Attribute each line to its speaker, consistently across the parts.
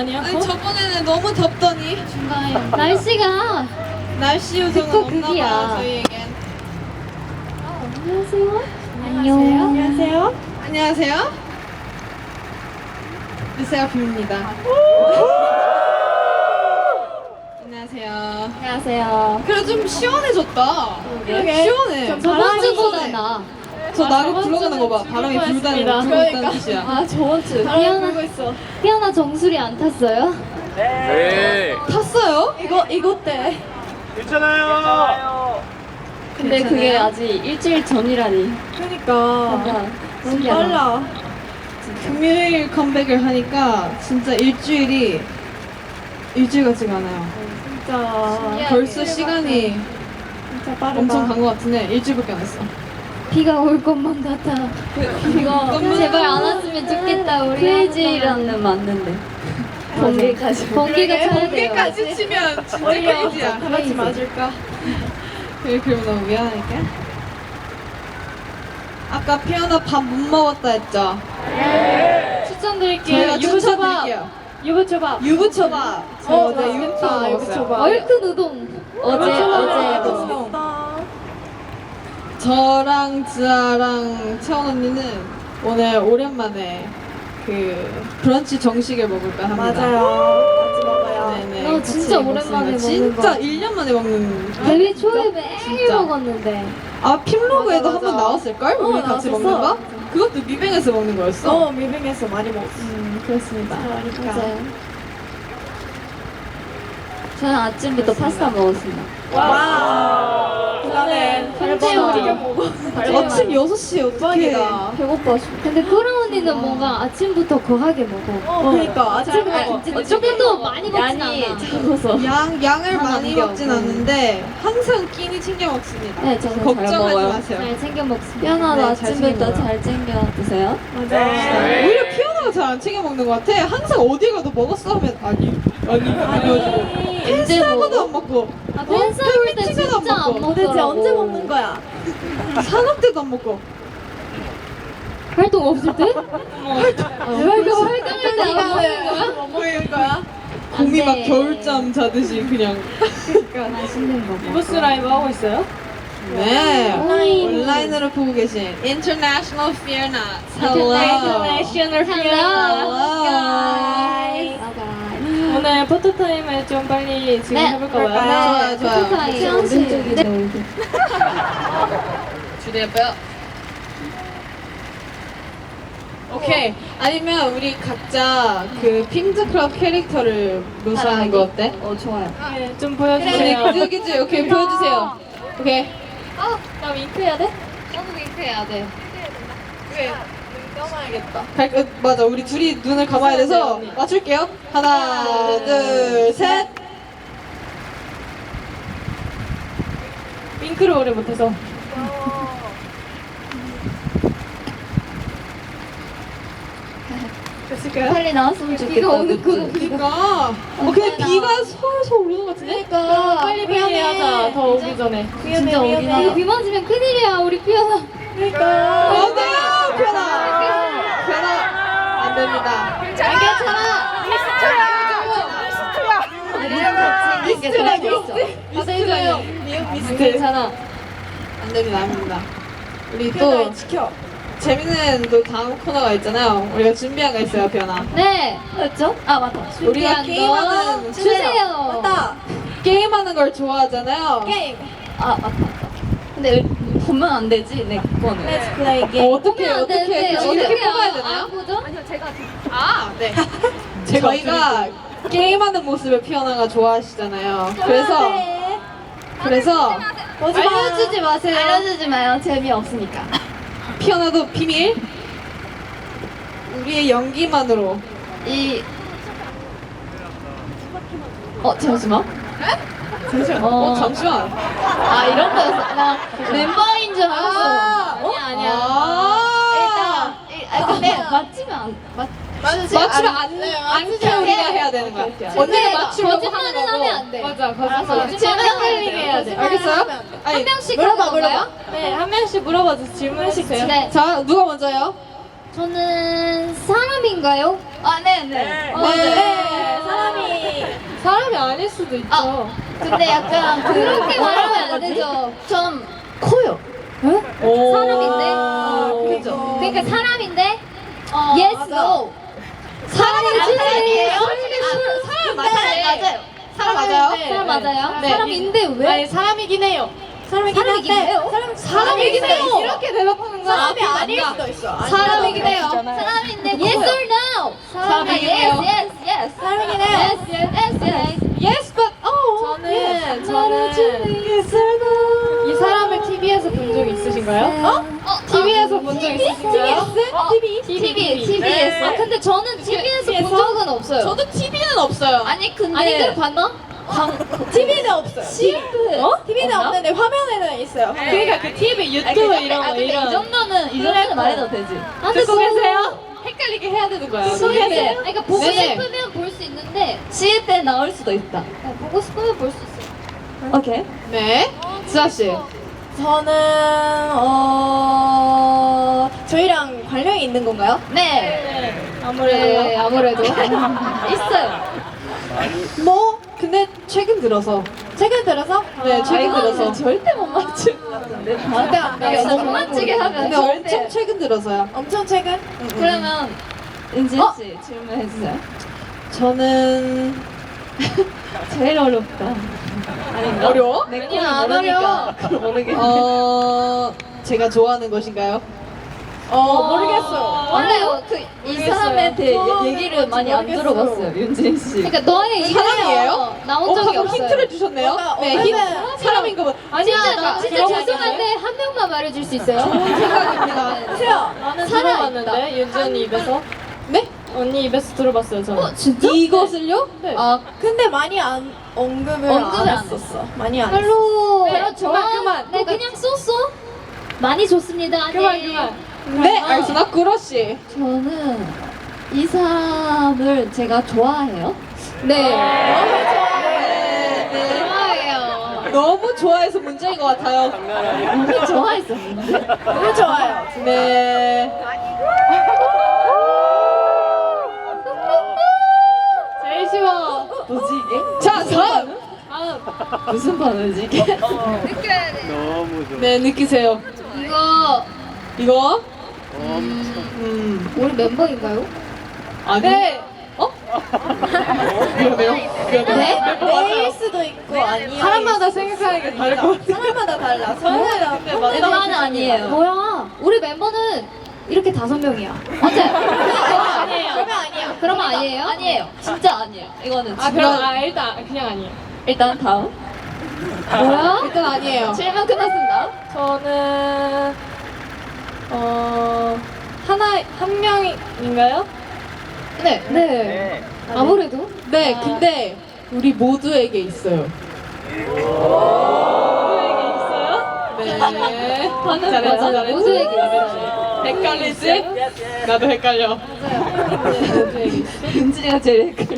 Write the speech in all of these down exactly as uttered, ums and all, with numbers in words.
Speaker 1: 아니야?
Speaker 2: 아니
Speaker 1: 어?
Speaker 2: 저번에는 너무 덥더니
Speaker 3: 중간에 날씨가
Speaker 2: 날씨 요정은
Speaker 3: 극과
Speaker 2: 없나
Speaker 3: 극이야.
Speaker 2: 봐요 저희에겐.
Speaker 3: 안녕하세요. 안녕.
Speaker 2: 안녕하세요. 안녕하세요. 르세라핌입니다. 안녕하세요.
Speaker 3: 안녕하세요.
Speaker 2: 그래 좀 시원해졌다.
Speaker 3: 그러게.
Speaker 2: 시원해.
Speaker 3: 저번 주보다 나.
Speaker 2: 저 나가
Speaker 1: 저번
Speaker 2: 불어가는 거 봐.
Speaker 1: 주는
Speaker 2: 바람이
Speaker 1: 불고
Speaker 2: 불다는
Speaker 1: 했습니다.
Speaker 2: 불었다는 뜻이야.
Speaker 3: 아 저번 주.
Speaker 1: 바람이
Speaker 3: 피아나
Speaker 1: 불고 있어.
Speaker 3: 피아나 정수리 안 탔어요?
Speaker 4: 네.
Speaker 2: 탔어요?
Speaker 1: 이거 이거 때.
Speaker 4: 괜찮아요.
Speaker 3: 근데
Speaker 2: 괜찮아요?
Speaker 3: 그게 아직 일주일 전이라니.
Speaker 1: 그러니까
Speaker 3: 뭔가
Speaker 1: 너무
Speaker 3: 신기하다.
Speaker 1: 빨라.
Speaker 2: 금요일 컴백을 하니까 진짜 일주일이 일주일 같지가 않아요.
Speaker 1: 진짜
Speaker 3: 신기하게.
Speaker 2: 벌써 시간이
Speaker 1: 진짜 빠르다.
Speaker 2: 엄청 간 것 같은데 일주일밖에 안 했어.
Speaker 3: 비가 올 것만 같아. 이거 제발 안 왔으면 좋겠다. 우리 크레이지라는 맞는데. 번개까지. 번개가 쳐야 돼요.
Speaker 2: 번개까지 치면 진짜
Speaker 1: 오히려
Speaker 2: 크레이지야.
Speaker 1: 다 같이 맞을까?
Speaker 2: 그래, 그러면 너무 미안하니까. 아까 피아나 밥 못 먹었다 했죠?
Speaker 1: 추천드릴게요.
Speaker 2: 저희가
Speaker 1: 유부초밥.
Speaker 2: 추천드릴게요.
Speaker 1: 유부초밥.
Speaker 2: 유부초밥. 저
Speaker 1: 어,
Speaker 2: 어제
Speaker 1: 맛있겠다,
Speaker 2: 유부초밥 먹었어요.
Speaker 1: 유부초밥.
Speaker 3: 얼큰 우동. 어제 어제
Speaker 1: 맛있겠다.
Speaker 2: 저랑 지아랑 채원 언니는 오늘 오랜만에 그 브런치 정식을 먹을까 합니다.
Speaker 1: 맞아요. 같이 먹어요.
Speaker 2: 네네.
Speaker 3: 나
Speaker 2: 같이
Speaker 3: 진짜
Speaker 2: 먹습니다.
Speaker 3: 오랜만에 먹는
Speaker 2: 진짜
Speaker 3: 거.
Speaker 2: 일 년 만에 먹는.
Speaker 3: 데뷔 초에 매일
Speaker 2: 진짜.
Speaker 3: 먹었는데.
Speaker 2: 아 핌로그에도
Speaker 1: 맞아,
Speaker 2: 한 번
Speaker 1: 맞아.
Speaker 2: 나왔을걸?
Speaker 1: 어,
Speaker 2: 우리 같이
Speaker 1: 나왔었어.
Speaker 2: 먹는 거? 그것도 미뱅에서 먹는 거였어.
Speaker 1: 어, 미빙에서 많이 먹었어.
Speaker 2: 음 그렇습니다.
Speaker 3: 맞아요. 저는 아침부터 파스타 먹었습니다.
Speaker 1: 와. 그다음에
Speaker 3: 현재
Speaker 1: 우리가
Speaker 3: 우리
Speaker 1: 먹어.
Speaker 2: 아침 여섯 시에 어떻게?
Speaker 1: 대박이다.
Speaker 3: 배고팠어. 근데 꾸라 언니는 뭔가 아침부터 거하게 먹어.
Speaker 1: 어, 그러니까 아침에
Speaker 3: 어, 조금도 많이 먹진 않아.
Speaker 1: 적어서.
Speaker 2: 양 양을
Speaker 3: 하나
Speaker 2: 많이
Speaker 3: 남겨.
Speaker 2: 먹진 않는데 항상 끼니 챙겨 먹습니다.
Speaker 3: 네, 저는 잘
Speaker 2: 걱정하지
Speaker 3: 먹어요.
Speaker 2: 마세요.
Speaker 3: 잘 챙겨 먹습니다.
Speaker 5: 피아나도
Speaker 2: 네, 잘 챙겨
Speaker 5: 아침부터
Speaker 2: 먹어요.
Speaker 5: 잘 챙겨 드세요?
Speaker 1: 맞아.
Speaker 4: 네.
Speaker 2: 오히려 피아노가 잘 안 챙겨 먹는 것 같아. 항상 어디 가도 먹었어 하면 아니 아니 아니 펜스하고도 안 먹고
Speaker 3: 아, 펜스 먹을 때
Speaker 2: 팬츠도
Speaker 3: 진짜 안 먹더라고.
Speaker 1: 도대체 언제 먹는 거야?
Speaker 2: 산업 때도 안 먹고
Speaker 3: 활동 없을 때? 활동 활동할 때 안 먹는 거야?
Speaker 1: 뭐 먹는 거야?
Speaker 2: 곰이 막
Speaker 3: 돼.
Speaker 2: 겨울잠 자듯이 그냥.
Speaker 3: 맛있는 거 먹어.
Speaker 1: 부스 라이브 하고 있어요?
Speaker 2: 네
Speaker 3: 온라인.
Speaker 2: 온라인으로 보고 계신 International Fear Not. Hello.
Speaker 1: International
Speaker 3: Hello,
Speaker 1: guys.
Speaker 3: 바이바이.
Speaker 1: 오늘 포토타임을 좀 빨리 지금
Speaker 3: 네.
Speaker 1: 해볼까 봐요.
Speaker 2: 좋아요 좋아요.
Speaker 3: 포토타임.
Speaker 5: 태연 씨.
Speaker 3: 오른쪽이네.
Speaker 2: 주대뼈. 오케이. 아니면 우리 각자 그 핑크클럽 캐릭터를 묘사하는 거 어때?
Speaker 5: 어 좋아요.
Speaker 1: 네, 좀
Speaker 2: 그래,
Speaker 1: 보여주세요.
Speaker 2: 그지 그지. 오케이 보여주세요. 오케이.
Speaker 3: 어, 나 윙크 해야 돼? 나도 윙크 해야 돼.
Speaker 1: 떠나야겠다.
Speaker 2: 갈, 어, 맞아. 우리 둘이 눈을 감아야 돼서 맞출게요. 하나, 둘, 셋.
Speaker 1: 윙크를 오래 못해서. 됐을까요?
Speaker 5: 빨리 나왔으면 좋겠다.
Speaker 3: 비가 오는
Speaker 5: 그치?
Speaker 3: 거.
Speaker 2: 그니까. 어, 근데 비가 솔솔 오르는 것 같은데?
Speaker 3: 그러니까
Speaker 1: 빨리 빨리 하자. 더 오기 전에.
Speaker 5: 진짜 오긴 하다.
Speaker 3: 이거 비 맞으면 큰일이야. 우리 피아나.
Speaker 1: 그러니까.
Speaker 2: 안 돼요! 변화! 변화! 안 됩니다.
Speaker 3: 안 괜찮아.
Speaker 5: 우리랑 같이 있는 게 더 좋겠어.
Speaker 2: 미스트예요.
Speaker 3: 안
Speaker 2: 미스트.
Speaker 3: 괜찮아.
Speaker 2: 안 됩니다, 안 됩니다. 우리
Speaker 1: 또
Speaker 2: 또
Speaker 1: 지켜.
Speaker 2: 재밌는 또 다음 코너가 있잖아요. 우리가 준비한 거 있어요, 변화.
Speaker 3: 네.
Speaker 5: 맞죠? 아 맞다.
Speaker 2: 우리가
Speaker 3: 준비한
Speaker 2: 게임하는
Speaker 3: 거 주세요.
Speaker 1: 맞다.
Speaker 2: 게임하는 걸 좋아하잖아요.
Speaker 1: 게임.
Speaker 5: 아 맞다 맞다. 근데 보면 안 되지 내 거는.
Speaker 1: Let's play
Speaker 2: 어,
Speaker 1: game.
Speaker 2: 어떻게
Speaker 3: 보면 안
Speaker 2: 어떻게
Speaker 3: 되는데
Speaker 2: 이렇게
Speaker 3: 어떻게
Speaker 2: 뽑아야
Speaker 3: 안
Speaker 2: 되나요?
Speaker 3: 보죠?
Speaker 2: 아, 네. 저희가 게임하는 모습을 피어나가 좋아하시잖아요. 그래서
Speaker 1: 네.
Speaker 2: 그래서
Speaker 1: 보지 마.
Speaker 2: 알려주지 마세요.
Speaker 5: 알려주지 마요. 재미없으니까.
Speaker 2: 피어나도 비밀. 우리의 연기만으로.
Speaker 5: 이. 어 잠시만.
Speaker 2: 잠시만.
Speaker 5: 어.
Speaker 2: 어, 잠시만.
Speaker 5: 아 이런 거였어. 나 멤버인 줄 알았어.
Speaker 2: 아,
Speaker 5: 아니야 아니야.
Speaker 2: 아.
Speaker 5: 일단 일- 아, 근데 맞지면 안 맞.
Speaker 2: 맞추면 안, 않게 우리가 해야 되는 거야.
Speaker 5: 오케이, 오케이.
Speaker 2: 언니가 맞추려고
Speaker 3: 거짓말은
Speaker 2: 하는 거고.
Speaker 3: 하면 안 돼.
Speaker 2: 맞아,
Speaker 5: 알았어.
Speaker 2: 거짓말.
Speaker 5: 재밌는 해야 돼.
Speaker 2: 알겠어요? 아니,
Speaker 3: 한 명씩
Speaker 1: 물어봐,
Speaker 3: 하는 건가요?
Speaker 1: 네, 한 명씩 물어봐 주세요. 질문해주세요.
Speaker 3: 네.
Speaker 2: 자, 누가 먼저요?
Speaker 3: 저는 사람인가요?
Speaker 5: 아, 네, 네.
Speaker 3: 어,
Speaker 2: 네.
Speaker 5: 사람이.
Speaker 2: 사람이 아닐 수도 있죠.
Speaker 5: 아, 근데 약간 그-
Speaker 3: 그렇게 말하면 안 되죠.
Speaker 5: 좀 커요.
Speaker 2: 오.
Speaker 3: 사람인데?
Speaker 2: 아,
Speaker 5: 그죠.
Speaker 3: 그러니까 사람인데
Speaker 5: 어,
Speaker 3: yes,
Speaker 5: 맞아.
Speaker 3: no.
Speaker 5: 사람이지.
Speaker 3: 사람이에요?
Speaker 5: 사람 맞아요. 맞아요.
Speaker 2: 사람 맞아요?
Speaker 3: 사람 맞아요?
Speaker 2: 네.
Speaker 3: 사람인데 왜?
Speaker 1: 아니 사람이긴 해요.
Speaker 3: 사람이긴 해요?
Speaker 2: 사람이긴 해요. 이렇게 대답하는 거
Speaker 5: 사람이 아닐 수도 있어.
Speaker 2: 사람이긴 해요.
Speaker 3: 사람인데 yes or no?
Speaker 2: 사람이긴
Speaker 3: yes,
Speaker 2: 해요.
Speaker 3: yes, yes.
Speaker 5: 사람이긴 해요.
Speaker 3: Yes, yes, yes, yes.
Speaker 2: Yes, but oh.
Speaker 1: 저는 저는 이 사람을 티비에서 본 적 있으신가요?
Speaker 3: 어?
Speaker 1: 티비에서 본 적 있으신가요?
Speaker 3: 어,
Speaker 1: 티비?
Speaker 3: 티비, 티비에서. 아 근데 저는 티비에서 본 적은 없어요.
Speaker 2: 저도 티비는 없어요.
Speaker 5: 아니 근데
Speaker 3: 아니 그럼 봤나?
Speaker 5: 티비는 없어요.
Speaker 3: 어?
Speaker 5: 티비는 없는데 화면에는 있어요.
Speaker 1: 그러니까 그 티비 유튜브 이런 거
Speaker 5: 근데 이
Speaker 1: 이런.
Speaker 5: 정도는 이 정도는 말해도 되지.
Speaker 3: 아, 근데
Speaker 1: 듣고
Speaker 3: 저-
Speaker 1: 계세요?
Speaker 2: 헷갈리게 해야 되는 거야.
Speaker 3: 보고 계세요? 아니, 그러니까 보고
Speaker 2: 네네.
Speaker 3: 싶으면 볼 수 있는데
Speaker 5: 시일 때 나올 수도 있다.
Speaker 3: 어, 보고 싶으면 볼 수 있어요.
Speaker 5: 오케이.
Speaker 2: 네. 지아 씨.
Speaker 5: 저는 어 저희랑 관련이 있는 건가요? 네.
Speaker 1: 아무래도
Speaker 3: 네, 아무래도.
Speaker 5: 있어요.
Speaker 2: 뭐 근데 최근 들어서.
Speaker 5: 최근 들어서?
Speaker 2: 네, 최근
Speaker 5: 이거는
Speaker 2: 들어서.
Speaker 5: 절대 못 맞출 것 같은데. 절대 안
Speaker 3: 돼.
Speaker 5: 진짜
Speaker 3: 너무
Speaker 5: 못 맞히게 하면
Speaker 2: 근데
Speaker 5: 절대.
Speaker 2: 엄청 최근 들어서요.
Speaker 5: 엄청 최근? 그러면 은진
Speaker 2: 어?
Speaker 5: 씨 질문해 주세요.
Speaker 2: 저는
Speaker 5: 제일 어렵다. 아닌가?
Speaker 2: 어려워?
Speaker 5: 내
Speaker 2: 아니야,
Speaker 5: 거는
Speaker 2: 안
Speaker 5: 모르니까 모르겠네.
Speaker 2: 어 제가 좋아하는 것인가요?
Speaker 5: 어 모르겠어요. 원래 그 이 사람에 대해
Speaker 2: 저-
Speaker 5: 얘기를 많이 안
Speaker 2: 모르겠어요.
Speaker 5: 들어봤어요, 윤진 씨.
Speaker 3: 그러니까 너의 이름이
Speaker 2: 사람이에요?
Speaker 3: 나온
Speaker 2: 어,
Speaker 3: 적이
Speaker 2: 방금
Speaker 3: 없어요.
Speaker 2: 힌트를 주셨네요.
Speaker 5: 뭔가
Speaker 2: 네,
Speaker 5: 어떤
Speaker 2: 힌트.
Speaker 5: 사람이랑-
Speaker 2: 사람인 거 봐.
Speaker 3: 아니야,
Speaker 1: 진짜
Speaker 3: 나 진짜
Speaker 1: 그런
Speaker 3: 죄송한데 한 명만 말해줄 수 있어요?
Speaker 2: 생각입니다.
Speaker 5: 세요.
Speaker 1: 나는
Speaker 3: 살아
Speaker 1: 들어봤는데 윤전이 입에서
Speaker 2: 네?
Speaker 1: 언니 입에서 들어봤어요 저는.
Speaker 3: 어, 진짜?
Speaker 2: 이것을요?
Speaker 1: 네.
Speaker 5: 아 근데 많이 안 언급을,
Speaker 3: 언급을
Speaker 5: 안
Speaker 3: 안
Speaker 5: 했었어. 많이 안 했어.
Speaker 3: 별로
Speaker 1: 네,
Speaker 3: 별로 좋아.
Speaker 1: 그만, 그만.
Speaker 3: 네, 그냥 쏘쏘. 많이 좋습니다.
Speaker 1: 그만
Speaker 3: 네.
Speaker 1: 그만.
Speaker 2: 네, 알겠습니다. 그러시.
Speaker 5: 저는 이 사람을 제가 좋아해요.
Speaker 3: 네.
Speaker 2: 네, 네.
Speaker 3: 좋아해요.
Speaker 2: 너무 좋아해서 문제인 것 같아요.
Speaker 5: 너무 좋아했었는데. 너무 좋아요.
Speaker 2: 네.
Speaker 1: 제일 쉬워.
Speaker 5: 뭐지 이게?
Speaker 2: 자, 다음.
Speaker 1: 다음.
Speaker 5: 무슨 반응이지 이게?
Speaker 3: 느껴야 돼.
Speaker 4: 너무 좋아.
Speaker 2: 네, 느끼세요.
Speaker 3: 이거
Speaker 2: 이거?
Speaker 4: 엄청.
Speaker 2: 음.
Speaker 3: 우리 멤버인가요?
Speaker 2: 아니.
Speaker 1: 네.
Speaker 2: 어? 미안해요. 미안해요.
Speaker 3: 네?
Speaker 5: 내일 수도 있고 아니요.
Speaker 1: 사람마다 생각하는 게 다를 것 같아.
Speaker 5: 사람마다 달라. 저는 멤버는 아니에요.
Speaker 3: 뭐야? 우리 멤버는 이렇게 다섯 명이야. 맞아요?
Speaker 1: 아니에요.
Speaker 5: 그러면 아니에요.
Speaker 3: 그러면 아니에요?
Speaker 5: 아니에요. 진짜 아니에요. 이거는
Speaker 1: 아
Speaker 5: 진짜.
Speaker 1: 그럼 아 일단 그냥 아니에요.
Speaker 5: 일단 다음.
Speaker 3: 뭐야?
Speaker 2: 일단 아니에요.
Speaker 5: 질문 끝났습니다.
Speaker 1: 저는 어 하나 한 명인가요?
Speaker 5: 네.
Speaker 3: 네.
Speaker 4: 네.
Speaker 3: 아무래도.
Speaker 2: 네, 근데 우리 모두에게 있어요.
Speaker 1: 누구에게 있어요?
Speaker 2: 네.
Speaker 5: 방금
Speaker 2: 잘했어,
Speaker 5: 맞아.
Speaker 2: 잘했어.
Speaker 3: 모두에게 있어요.
Speaker 2: 헷갈리지? 나도 헷갈려.
Speaker 5: 은진이가 제일 헷갈려.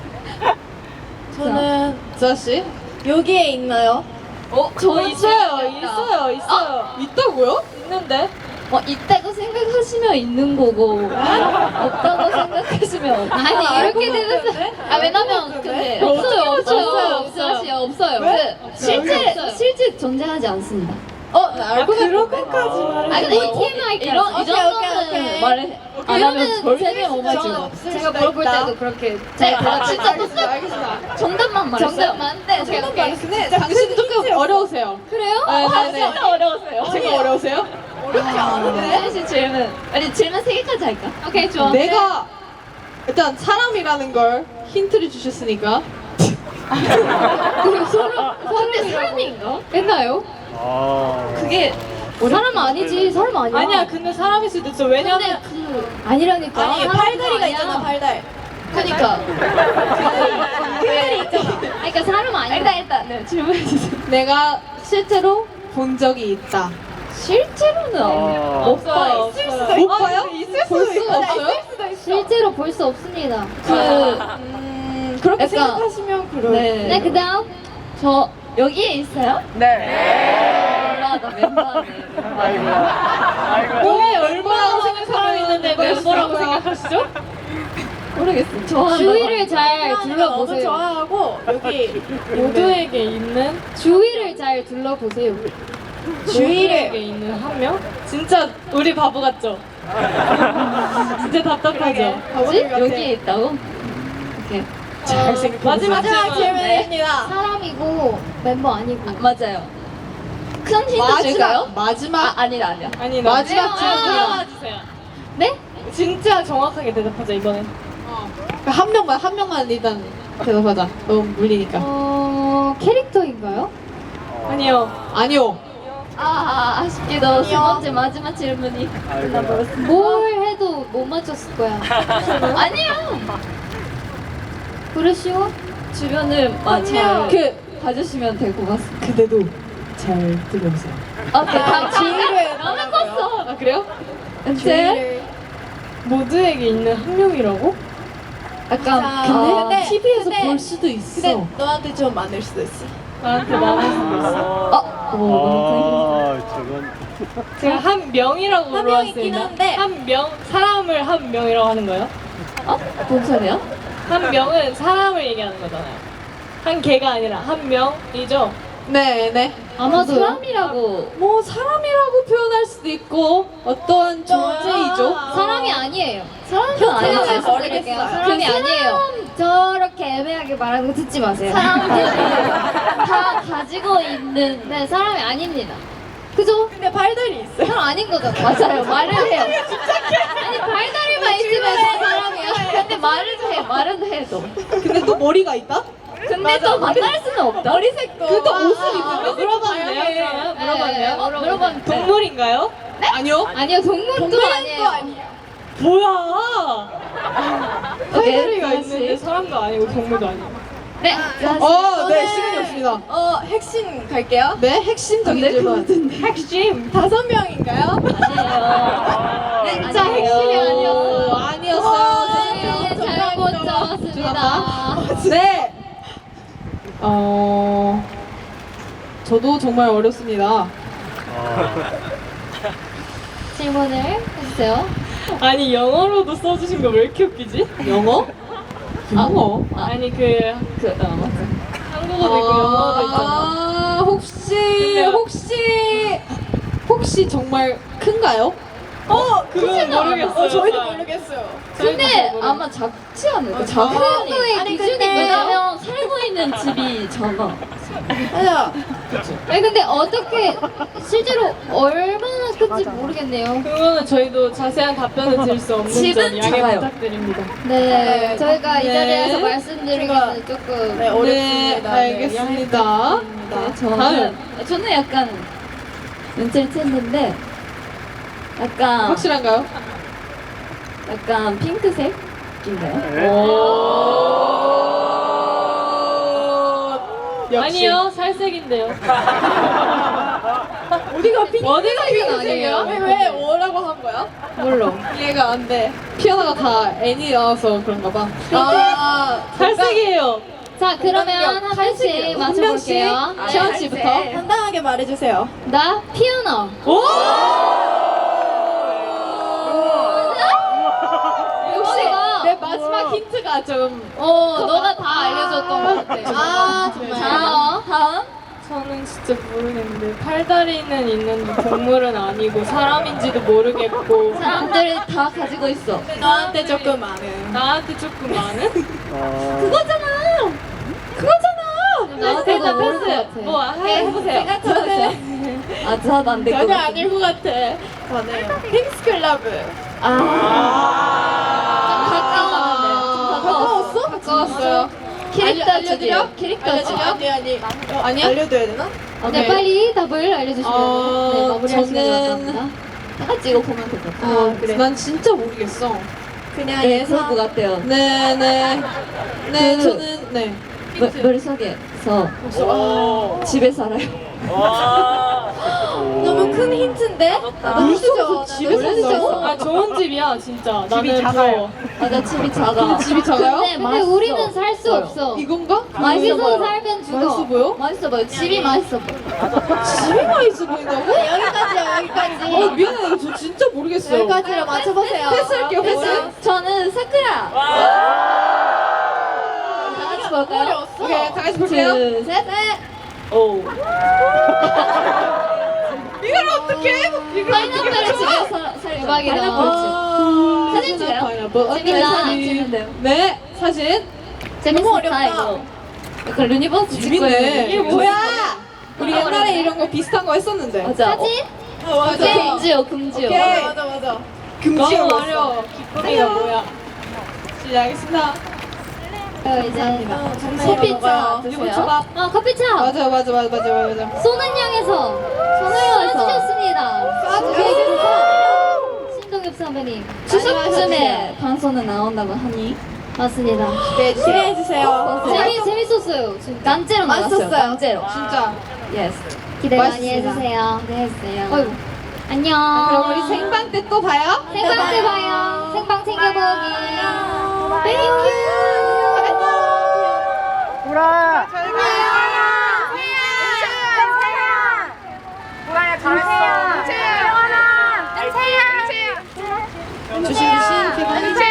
Speaker 1: 저는
Speaker 2: 지아 씨?
Speaker 5: 여기에 있나요?
Speaker 1: 어, 저 있어요, 있어요, 있어요.
Speaker 2: 있다고요?
Speaker 1: 있는데?
Speaker 5: 어, 있다고 생각하시면 있는 거고 없다고 생각하시면 없는
Speaker 3: 아니
Speaker 5: 거.
Speaker 3: 이렇게 되는
Speaker 5: 아 왜냐면 근데
Speaker 3: 없어요, 없어요,
Speaker 5: 없어요
Speaker 3: 없어요.
Speaker 5: 없어요 없어요.
Speaker 2: 왜?
Speaker 5: 그 실제
Speaker 3: 없어요.
Speaker 5: 실제 존재하지 않습니다.
Speaker 2: 어, 나 알고
Speaker 1: 그런
Speaker 2: 있는데.
Speaker 1: 것까지 말해.
Speaker 5: 아 근데
Speaker 3: 이거
Speaker 5: 이
Speaker 3: 티엠아이
Speaker 5: 이런 이
Speaker 3: 오케이,
Speaker 5: 정도는
Speaker 3: 오케이, 오케이.
Speaker 5: 말을 안 하면 절대 못
Speaker 3: 저는
Speaker 5: 맞죠.
Speaker 3: 제가 물어볼 때도 그렇게
Speaker 5: 제가
Speaker 3: 제가
Speaker 5: 진짜
Speaker 2: 알겠습니다, 알겠습니다.
Speaker 5: 정답만 말했어요.
Speaker 3: 정답만? 네, 오케이,
Speaker 2: 정답
Speaker 3: 오케이.
Speaker 2: 말씀에 당신은 조금 어려우세요.
Speaker 3: 그래요?
Speaker 2: 네, 네, 네.
Speaker 5: 진짜 어려웠어요.
Speaker 2: 제가 어려우세요?
Speaker 5: 어렵지 않은데? 씨 질문. 아니 질문 세 개까지 할까?
Speaker 3: 오케이, 좋아.
Speaker 2: 내가 일단 사람이라는 걸 힌트를 주셨으니까
Speaker 3: 그리고 서로
Speaker 5: 근데 사람인가?
Speaker 3: 했나요?
Speaker 4: 아.
Speaker 5: 그게
Speaker 3: 사람 아니지, 사람 아니야.
Speaker 1: 아니야, 근데 사람일 수도 있어. 왜냐면
Speaker 3: 근데 그 아니라니까.
Speaker 5: 아니
Speaker 3: 사람
Speaker 5: 팔다리가
Speaker 3: 아니야.
Speaker 5: 있잖아 팔다리. 그니까. 팔다리 있잖아.
Speaker 3: 아니, 그러니까 사람 아니야.
Speaker 5: 일단 일단 네 질문해 주세요.
Speaker 2: 내가 실제로 본 적이 있다.
Speaker 5: 실제로는
Speaker 4: 아.
Speaker 5: 못 봐요.
Speaker 2: 못 봐요? 볼 수가 없어요?
Speaker 3: 실제로 볼 수 없습니다.
Speaker 5: 그
Speaker 2: 음, 그렇게
Speaker 5: 약간-
Speaker 2: 생각하시면 그래요.
Speaker 5: 네.
Speaker 3: 네, 그다음.
Speaker 5: 저 여기에 있어요?
Speaker 4: 네.
Speaker 5: 몰라 나 멤버네.
Speaker 4: 아이고. 아이고.
Speaker 2: 몸에 얼마나 생각하고 있는데 왜
Speaker 1: 뭐라고
Speaker 2: 있고요.
Speaker 1: 생각하시죠?
Speaker 5: 모르겠어. 좋아한다.
Speaker 3: 주위를 잘
Speaker 1: 너무
Speaker 3: 둘러보세요.
Speaker 1: 좋아하고 여기 모두에게 있는
Speaker 3: 주위를 잘 둘러보세요.
Speaker 1: 주위에게 있는 한 명? 진짜 우리 바보 같죠? 진짜 답답하죠?
Speaker 5: 뭐지? 여기에 있다고? 오케이.
Speaker 1: 잘생겼 마지막 질문입니다.
Speaker 3: 사람이고 멤버 아니고.
Speaker 5: 맞아요. 큰 힌트
Speaker 2: 마지막
Speaker 5: 줄까요?
Speaker 2: 마지막
Speaker 5: 아, 아니다, 아니야.
Speaker 1: 아니
Speaker 2: 마지막
Speaker 1: 질문 주세요.
Speaker 3: 네?
Speaker 1: 진짜 정확하게 대답하자 이번엔.
Speaker 2: 그러니까 한 명만 한 명만 일단 대답하자. 너무 물리니까.
Speaker 3: 어 캐릭터인가요?
Speaker 1: 아니요.
Speaker 2: 아니요.
Speaker 5: 아, 아 아쉽게도 세 번째 마지막 질문이 끝나버렸어.
Speaker 3: 뭘 해도 못 맞췄을 거야.
Speaker 5: 아니야.
Speaker 3: 그러시오?
Speaker 5: 주변을 아, 잘
Speaker 2: 그
Speaker 5: 봐주시면 될 것 같습니다.
Speaker 2: 그대도 잘 들어보세요.
Speaker 5: 오케이, 다음
Speaker 1: 주위를
Speaker 5: 너무 컸어.
Speaker 2: 아 그래요?
Speaker 5: 이제
Speaker 1: 모두에게 있는 한 명이라고?
Speaker 5: 약간
Speaker 2: 근데,
Speaker 5: 근데
Speaker 2: 티비에서 볼 수도 있어.
Speaker 1: 너한테 좀 많을 수도 있어. 나한테 많을 수도 있어.
Speaker 5: 어, 오, 너무
Speaker 4: 아, 저건
Speaker 1: 제가 한 명이라고
Speaker 3: 한 명 있긴
Speaker 1: 물어봤습니다.
Speaker 3: 한데.
Speaker 1: 한 명, 사람을 한 명이라고 하는 거예요?
Speaker 5: 어? 뭔 소리야?
Speaker 1: 한 명은 사람을 얘기하는 거잖아요. 한 개가 아니라 한 명이죠.
Speaker 2: 네, 네.
Speaker 5: 아마도 사람이라고.
Speaker 2: 뭐 사람이라고 표현할 수도 있고 어떠한 존재이죠.
Speaker 3: 사람이 아니에요.
Speaker 5: 사람은
Speaker 3: 제가
Speaker 5: 아니에요.
Speaker 3: 말씀드릴게요.
Speaker 5: 사람이
Speaker 3: 그
Speaker 5: 아니에요.
Speaker 3: 저렇게 애매하게 말하는 거 듣지 마세요.
Speaker 5: 사람들이 다 가지고 있는.
Speaker 3: 네, 사람이 아닙니다. 그죠?
Speaker 1: 근데 발달이 있어요.
Speaker 3: 사람 아닌 거죠.
Speaker 5: 맞아요. 말을 해요.
Speaker 3: 아니 발다리만 있으면 다 사람이야.
Speaker 5: 근데 말을 해. 말은 해도.
Speaker 2: 근데 또 머리가 있다?
Speaker 5: 근데 또 만날 수는 없다.
Speaker 1: 머리색도.
Speaker 2: 그또 옷을
Speaker 1: 아,
Speaker 2: 입는다?
Speaker 1: 물어봤네요. 그러면 물어봤네요.
Speaker 5: 어, 물어봤는데.
Speaker 1: 동물인가요?
Speaker 2: 아니요.
Speaker 3: 아니요, 동물도 아니에요.
Speaker 1: 뭐야?
Speaker 5: 오케이,
Speaker 1: 팔다리가
Speaker 5: 다시.
Speaker 1: 있는데 사람도 아니고 동물도 아니고.
Speaker 5: 네.
Speaker 2: 어, 네, 시간이 없습니다.
Speaker 1: 어, 핵심 갈게요.
Speaker 2: 네, 핵심적인 질문.
Speaker 1: 핵심 다섯 명인가요?
Speaker 5: 아니에요. 네,
Speaker 1: 진짜
Speaker 5: 아니에요.
Speaker 1: 핵심이 아니었어요.
Speaker 2: 아니었어요.
Speaker 3: 네, 잘못 적었습니다.
Speaker 2: 네. 어, 저도 정말 어렵습니다.
Speaker 3: 질문을 해주세요.
Speaker 1: 아니 영어로도 써주신 거 왜 이렇게 웃기지?
Speaker 2: 영어? 영어?
Speaker 1: 아니 그
Speaker 5: 그, 어, 맞아.
Speaker 1: 한국어도 있고 영어도 있잖아.
Speaker 2: 아, 혹시, 혹시, 혹시 정말 큰가요?
Speaker 1: 어, 그건 모르겠어요.
Speaker 2: 어, 저희도
Speaker 1: 모르겠어요.
Speaker 5: 근데 아마 작지 않을까? 작은
Speaker 3: 한국의
Speaker 5: 아니,
Speaker 3: 기준이
Speaker 5: 근데
Speaker 3: 뭐죠?
Speaker 5: 왜냐면 살고 있는 집이 작아.
Speaker 1: 맞아.
Speaker 3: 아니 근데 어떻게 실제로 얼마나 큰지 모르겠네요.
Speaker 1: 그거는 저희도 자세한 답변을 드릴 수 없는
Speaker 5: 집은
Speaker 1: 점 양해
Speaker 5: 작아요.
Speaker 1: 부탁드립니다.
Speaker 3: 네, 저희가 이
Speaker 2: 네.
Speaker 3: 자리에서 말씀드리기는 조금
Speaker 1: 네,
Speaker 2: 네, 알겠습니다.
Speaker 5: 네, 저는 저는 약간 눈치를 챘는데 약간
Speaker 2: 확실한가요?
Speaker 5: 약간 핑크색인가요?
Speaker 2: 역시.
Speaker 1: 아니요, 살색인데요.
Speaker 2: 어디가 핑
Speaker 1: 어디가
Speaker 3: 아니에요?
Speaker 1: 핑크색이에요? 왜 뭐라고 한 거야?
Speaker 2: 몰라. 이해가 안 돼. 피아노가 다 N이 나와서 그런가 봐.
Speaker 1: 아, 살색이에요.
Speaker 3: 자 그러면 한 명씩 맞춰볼게요.
Speaker 2: 한 채원 씨부터.
Speaker 1: 당당하게 말해주세요.
Speaker 3: 나 피아노.
Speaker 1: 오!
Speaker 3: 혹시가
Speaker 2: 내 마지막 힌트가 좀.
Speaker 3: 어 너가 다 알려줬던 것 같아.
Speaker 1: 아,
Speaker 3: 자 다음.
Speaker 1: 저는 진짜 모르겠는데 팔다리는 있는데 동물은 아니고 사람인지도 모르겠고
Speaker 5: 사람들이 다 가지고 있어.
Speaker 1: 나한테 조금 많은 나한테 조금 많은?
Speaker 5: 그거잖아.
Speaker 3: 나한테
Speaker 1: 패스
Speaker 3: 모를 것
Speaker 1: 패스
Speaker 3: 같아.
Speaker 1: 뭐 해- 해보세요.
Speaker 5: 아, 저도 안 될 것
Speaker 1: 전혀
Speaker 5: 같아.
Speaker 1: 아닐 것 같아. 저는 핑스클럽.
Speaker 5: 아,
Speaker 3: 가까웠는데.
Speaker 5: 가까웠어?
Speaker 2: 가까웠어요.
Speaker 5: 캐릭터
Speaker 2: 알려-
Speaker 5: 주세요.
Speaker 2: 알려드려?
Speaker 5: 캐릭터
Speaker 2: 알려드려?
Speaker 5: 주세요.
Speaker 1: 아니 아니.
Speaker 2: 어, 아니야?
Speaker 1: 알려줘야 되나?
Speaker 3: 네
Speaker 2: 오케이.
Speaker 3: 빨리 답을 알려주시면
Speaker 2: 어,
Speaker 3: 네, 마무리할 시간이
Speaker 2: 저는-
Speaker 3: 왔습니다.
Speaker 5: 다 같이 이거 보면 될 것 같아.
Speaker 2: 아, 그래. 난 진짜 모르겠어.
Speaker 1: 그냥
Speaker 5: 네, 그럴 것 같아요.
Speaker 2: 네, 네. 네,
Speaker 5: 그-
Speaker 2: 저는, 네.
Speaker 5: 머, 머릿속에서
Speaker 4: 오.
Speaker 5: 집에 살아요.
Speaker 4: 와.
Speaker 1: 너무 큰 힌트인데?
Speaker 2: 물속에서 집에
Speaker 1: 나도
Speaker 2: 산다고?
Speaker 1: 아 좋은 집이야 진짜.
Speaker 4: 집이
Speaker 1: 나는
Speaker 4: 작아요.
Speaker 5: 맞아 집이 작아.
Speaker 2: 집이 작아요?
Speaker 3: 근데, 근데 우리는 살 수 없어.
Speaker 2: 이건가?
Speaker 3: 맛있어 살면 죽어.
Speaker 2: 맛있어 보여?
Speaker 5: 맛있어 보여. 집이 맛있어 보여.
Speaker 2: 집이 맛있어 보인다고?
Speaker 3: 여기까지요 여기까지.
Speaker 2: 어 미안해 저 진짜 모르겠어요.
Speaker 3: 여기까지로 맞춰보세요.
Speaker 2: 패스할게요 패스.
Speaker 5: 저는 사쿠라. 다 같이 볼까요?
Speaker 2: 오케이 다 같이 볼게요.
Speaker 5: 둘, 셋.
Speaker 1: 오.
Speaker 2: 이걸 어떻게? 이걸
Speaker 5: 파인애플을 집에서 살
Speaker 3: 대박이다.
Speaker 5: 파인애플 집. 사진 찍어요?
Speaker 2: 파인애플.
Speaker 5: 재밌다.
Speaker 2: 사진.
Speaker 5: 찍는데요.
Speaker 2: 네 사진.
Speaker 5: 재밌었다 이거. 약간 루니버스 찍고
Speaker 2: 재밌네.
Speaker 5: 있는
Speaker 2: 이게 뭐야? 우리 옛날에 이런 거 비슷한 거 했었는데.
Speaker 5: 맞아.
Speaker 3: 사진?
Speaker 2: 어, 맞아.
Speaker 5: 금지요 금지요.
Speaker 2: 오케이.
Speaker 1: 맞아 맞아.
Speaker 2: 금지어
Speaker 1: 너무
Speaker 2: 왔어.
Speaker 1: 어려워. 기쁨이가 뭐야?
Speaker 2: 시작하겠습니다.
Speaker 3: 어, 이제
Speaker 5: 커피차
Speaker 2: 이거
Speaker 5: 드세요.
Speaker 2: 초밥.
Speaker 3: 어 커피차.
Speaker 2: 맞아 맞아 맞아 맞아 맞아.
Speaker 3: 쏘는 향에서
Speaker 5: 손으로서.
Speaker 3: 쏘주셨습니다.
Speaker 2: 쏴주세요.
Speaker 3: 신동엽 선배님.
Speaker 5: 추석쯤에 방송은 나온다고 하니
Speaker 3: 맞습니다.
Speaker 2: 네 기대해 주세요.
Speaker 3: 재미 재밌었어요. 진짜.
Speaker 5: 난제로 나왔어요.
Speaker 3: 맛있었어요.
Speaker 5: 난제로.
Speaker 2: 진짜.
Speaker 5: 예스.
Speaker 3: 기대 많이
Speaker 2: 맛있습니다.
Speaker 3: 해주세요.
Speaker 5: 기대했어요.
Speaker 3: 어이구. 안녕.
Speaker 2: 그럼 우리 생방 때 또 봐요.
Speaker 3: 생방 때 봐요. 생방 챙겨보기. 땡큐.
Speaker 4: 보라.
Speaker 2: 잘 가요.
Speaker 4: 잘했어.
Speaker 2: 조심 조심.